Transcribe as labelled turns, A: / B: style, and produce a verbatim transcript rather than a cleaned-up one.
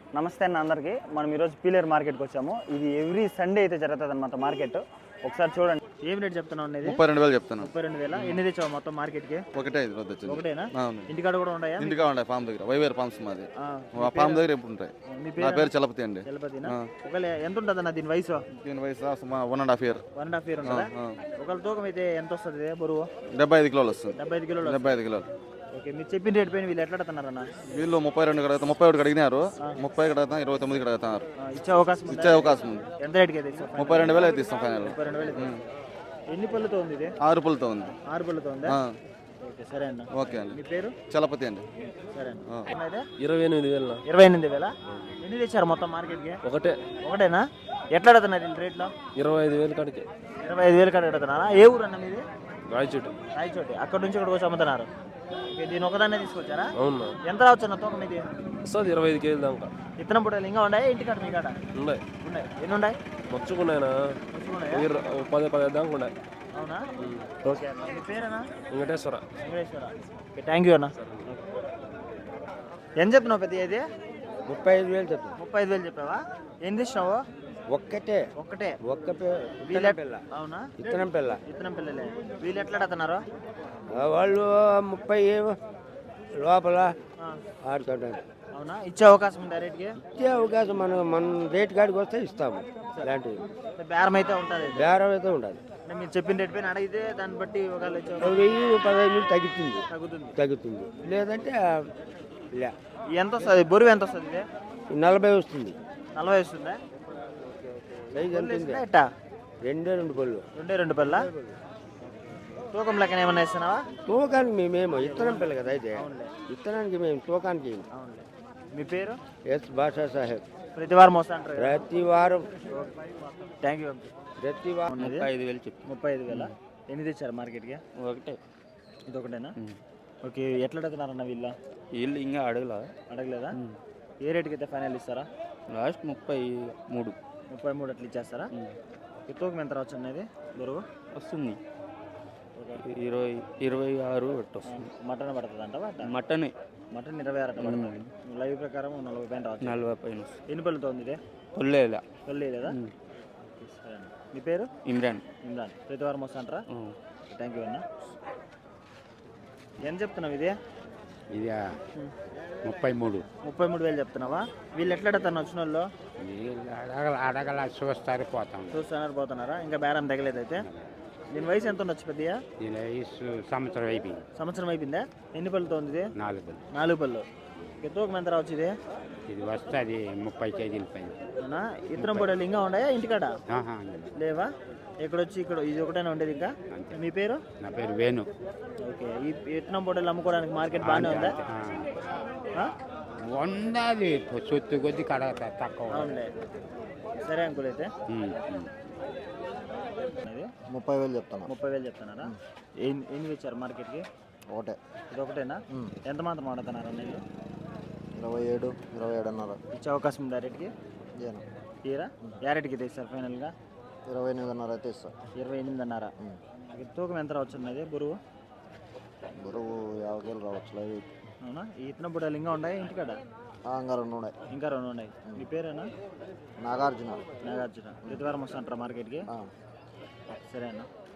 A: నమస్తే అన్న అందరికీ. మనం ఈరోజు పీలేరు మార్కెట్కి వచ్చాము. ఇది ఎవ్రీ సండే అయితే జరుగుతుంది అన్నమాట మార్కెట్. ఒకసారి చూడండి. ఏం రేట్ చెప్తున్నావు అనేది?
B: ముప్పై రెండు వేలు చెప్తాను.
A: ముప్పై రెండు వేల ఎన్ని తెచ్చావు మొత్తం మార్కెట్కి?
B: ఒకటే ఐదు రోజు వచ్చింది.
A: ఒకటేనా?
B: అవును.
A: ఇంటికాడ కూడా ఉన్నాయా?
B: ఇంటికా ఉంటాయి ఫామ్ దగ్గర. వైవేర్ ఫామ్స్ మాది. ఆ ఫామ్ దగ్గర ఎప్పుడు ఉంటాయి. నా పేరు చలపతి అండి.
A: చలపతినా? ఒకవేళ ఎంత ఉంటుంది అన్న దీని వయసు?
B: దీని వయసు one and half year.
A: One and half year ఉంటుందా? ఒకవేళ తూకం అయితే ఎంత వస్తుంది బరువు?
B: డెబ్బై ఐదు కిలోలు వస్తుంది.
A: డెబ్బై ఐదు కిలోలు.
B: డెబ్బై ఐదు కిలోలు.
A: ఓకే, మీరు చెప్పిన రేట్ పైన వీళ్ళు ఎట్లా అడుగుతున్నారన్న?
B: వీళ్ళు ముప్పై రెండు కడుగుతారు, ముప్పై ఒకటి అడిగినారు. ముప్పై కడుగుతాం, ఇరవై తొమ్మిది కడుగుతున్నారు.
A: ఇచ్చే అవకాశం
B: ఇచ్చే అవకాశం ఉంది.
A: ఎంత రేట్కి అయితే?
B: ముప్పై రెండు వేలు అయితే ఇస్తాం ఫైనల్.
A: ముప్పై రెండు వేలు. ఎన్ని పళ్ళతో ఉంది ఇది?
B: ఆరు పళ్ళతో ఉంది.
A: ఆరు పళ్ళతో ఉందా? ఓకే, సరే అన్న.
B: ఓకే అండి.
A: మీ పేరు?
B: చలపతి అండి.
A: సరే అన్న.
C: ఇరవై ఎనిమిది వేలు.
A: ఇరవై ఎనిమిది వేల ఎన్ని తెచ్చారు మొత్తం మార్కెట్కి?
C: ఒకటే. ఒకటేనా?
A: ఎట్లా అడుగుతున్నారు వీళ్ళు రేట్లో?
C: ఇరవై ఐదు వేలు కాడికి.
A: ఇరవై ఐదు వేలు కాడికి అడుగుతున్నారా? ఏ ఊరు అన్న మీది?
C: రాయచోటి.
A: రాయచోటి. అక్కడ నుంచి ఇక్కడికి వచ్చి అమ్ముతున్నారు. ఓకే, దీని ఒకదాన్నే తీసుకొచ్చారా?
C: అవునా?
A: ఎంత రావచ్చు అన్న తూకం ఇది?
C: వస్తుంది ఇరవై ఐదు కేజీలు దాకా.
A: ఇత్తనం పుట్టలు ఇంకా ఉన్నాయి ఇంటికాడ? మీ కాడ
C: ఉన్నాయి.
A: ఉన్నాయి. ఎన్ని ఉన్నాయి?
C: మచ్చుకున్నాయినా పది పది దాకా ఉన్నాయి.
A: అవునా? ఓకే అన్న. మీ పేరేనా?
C: Venkateshwara.
A: Venkateshwara. Okay, thank you అన్న. ఎంత చెప్పినావు పెద్ద? ఇది
D: ముప్పై ఐదు వేలు చెప్పు.
A: ముప్పై ఐదు వేలు చెప్పావా? ఏం తెచ్చినావు?
D: ఒక్కటే
A: ఒక్కటే.
D: ఒక్క
A: వీళ్ళ
D: పిల్ల.
A: అవునా?
D: ఇత్తనం పిల్ల.
A: ఇత్తనం పిల్లలే. వీళ్ళు ఎట్లా అడుగుతున్నారు?
D: వాళ్ళు ముప్పై లోపల ఆడుతుంటారు.
A: అవునా? ఇచ్చే అవకాశం ఉందా రేట్కి?
D: ఇచ్చే అవకాశం మనం మన రేట్ కాడికి వస్తే ఇస్తాము. ఇలాంటివి
A: బేరం అయితే ఉంటుంది.
D: బేరం అయితే ఉండదు.
A: మీరు చెప్పిన రేట్ పైన అడిగితే దాన్ని బట్టి ఒకవేళ ఇచ్చే
D: వెయ్యి పదహైదు వేలు తగ్గుతుంది.
A: తగ్గుతుంది.
D: తగ్గుతుంది లేదంటే లే.
A: ఎంత వస్తుంది బరువు? ఎంత వస్తుంది ఇది?
D: నలభై వస్తుంది.
A: నలభై వస్తుందా?
D: సైజ్ ఎంత ఉంది?
A: ఎట్టా?
D: రెండే రెండు పళ్ళు.
A: రెండే రెండు పళ్ళ. తూకం లెక్కన ఏమన్నా ఇస్తున్నావా?
D: తూకానికి మేమేమో ఇత్తనం పిల్ల కదా అయితే. ఇత్తనానికి మేము తూకానికి.
A: అవునులే. మీ పేరు?
D: ఎస్ బాషా సాహెబ్.
A: ప్రతి వారం వస్తా అంటారు.
D: ప్రతి వారం.
A: Thank you.
D: ప్రతి వారం ముప్పై ఐదు వేలు చెప్పి.
A: ముప్పై ఐదు వేల ఎన్ని తెచ్చారు మార్కెట్కి?
D: ఒకటే.
A: ఇది ఒకటేనా? ఓకే, ఎట్లా అడుగుతున్నారన్న వీళ్ళ?
D: వీళ్ళు ఇంకా అడగలా.
A: అడగలేదా? ఏ రేటుకి అయితే ఫైనల్ ఇస్తారా?
D: లాస్ట్ ముప్పై మూడు.
A: ముప్పై మూడు అట్లా ఇచ్చేస్తారా? ఈ తూకం ఎంత రావచ్చు అనేది బరువు?
D: వస్తుంది ఇరవై ఇరవై ఆరు వస్తుంది.
A: మటన్ పడుతుంది అంటావా?
D: మటన్
A: మటన్ ఇరవై ఆరు అట్లా పడుతుంది. లైవ్ ప్రకారం నలభై పైన రావచ్చు.
D: నలభై పైన.
A: ఎన్ని పళ్ళతో ఉంది ఇదే?
D: కొల్లేదా?
A: కొల్లి లేదా? సరే. మీ పేరు?
D: ఇమ్రాన్.
A: ఇమ్రాన్. ప్రతి వారం వస్తా అంటారా? థ్యాంక్ యూ అన్న. ఎంత చెప్తున్నావు ఇది?
E: ఇది ముప్పై మూడు.
A: ముప్పై మూడు వేలు చెప్తున్నావా? వీళ్ళు ఎట్లా అడుగుతాను వచ్చిన వాళ్ళు?
E: అడగల అడగల చూస్తారు పోతాం.
A: చూస్తున్నారు పోతున్నారా? ఇంకా బేరం తగలేదు అయితే. దీని వయసు ఎంత ఉండొచ్చు పెద్దగా?
E: దీని వయసు సంవత్సరం అయిపోయింది.
A: సంవత్సరం అయిపోయిందా? ఎన్ని పళ్ళతో ఉంది ఇది?
E: నాలుగు పళ్ళు.
A: నాలుగు పళ్ళు. తూకం ఎంత రావచ్చు ఇది?
E: ఇది వస్తుంది ముప్పై కేజీల పైన.
A: అవునా? ఇతరం పొడలు ఇంకా ఉన్నాయా ఇంటికాడ?
E: ఆహా,
A: లేవా? ఎక్కడొచ్చి ఇక్కడ ఇది ఒకటైనా ఉండేది ఇంకా? మీ పేరు?
E: నా పేరు వేణు.
A: ఓకే, ఈ ఇతనం పొడలు అమ్ముకోవడానికి మార్కెట్ బాగానే ఉందా?
E: ఉన్నది సొత్తు కొద్ది కడ తక్కువ.
A: అవునులే. సరే అంకుల్ అయితే.
F: ముప్పై వేలు చెప్తాను.
A: ముప్పై వేలు చెప్తున్నారా? ఎన్ని ఎన్ని తెచ్చారు మార్కెట్కి?
F: ఒకటే.
A: ఇది ఒకటేనా? ఎంత మాత్రం ఆడుతున్నారు అన్నయ్య?
F: ఇరవై ఏడు ఇరవై ఏడున్నర.
A: ఇచ్చే అవకాశం ఉందా రేట్కి? తీరా ఏ రేట్కి తెస్తారు ఫైనల్గా?
F: ఇరవై ఎనిమిదిన్నర అయితే ఇస్తా.
A: ఇరవై ఎనిమిదిన్నర. తూకం ఎంత రావచ్చు అన్నది బరువు?
F: బరువు యాభై కేలు రావచ్చు. లైవ్.
A: అవునా? ఈ ఇతన బుడ్డలు ఇంకా ఉన్నాయి ఇంటికాడ?
F: ఇంకా రెండు ఉన్నాయి.
A: ఇంకా రెండు ఉన్నాయి. మీ పేరేనా?
F: నాగార్జున.
A: నాగార్జున. ప్రతి వారం వస్తా అంటారా మార్కెట్కి? సరే అన్న.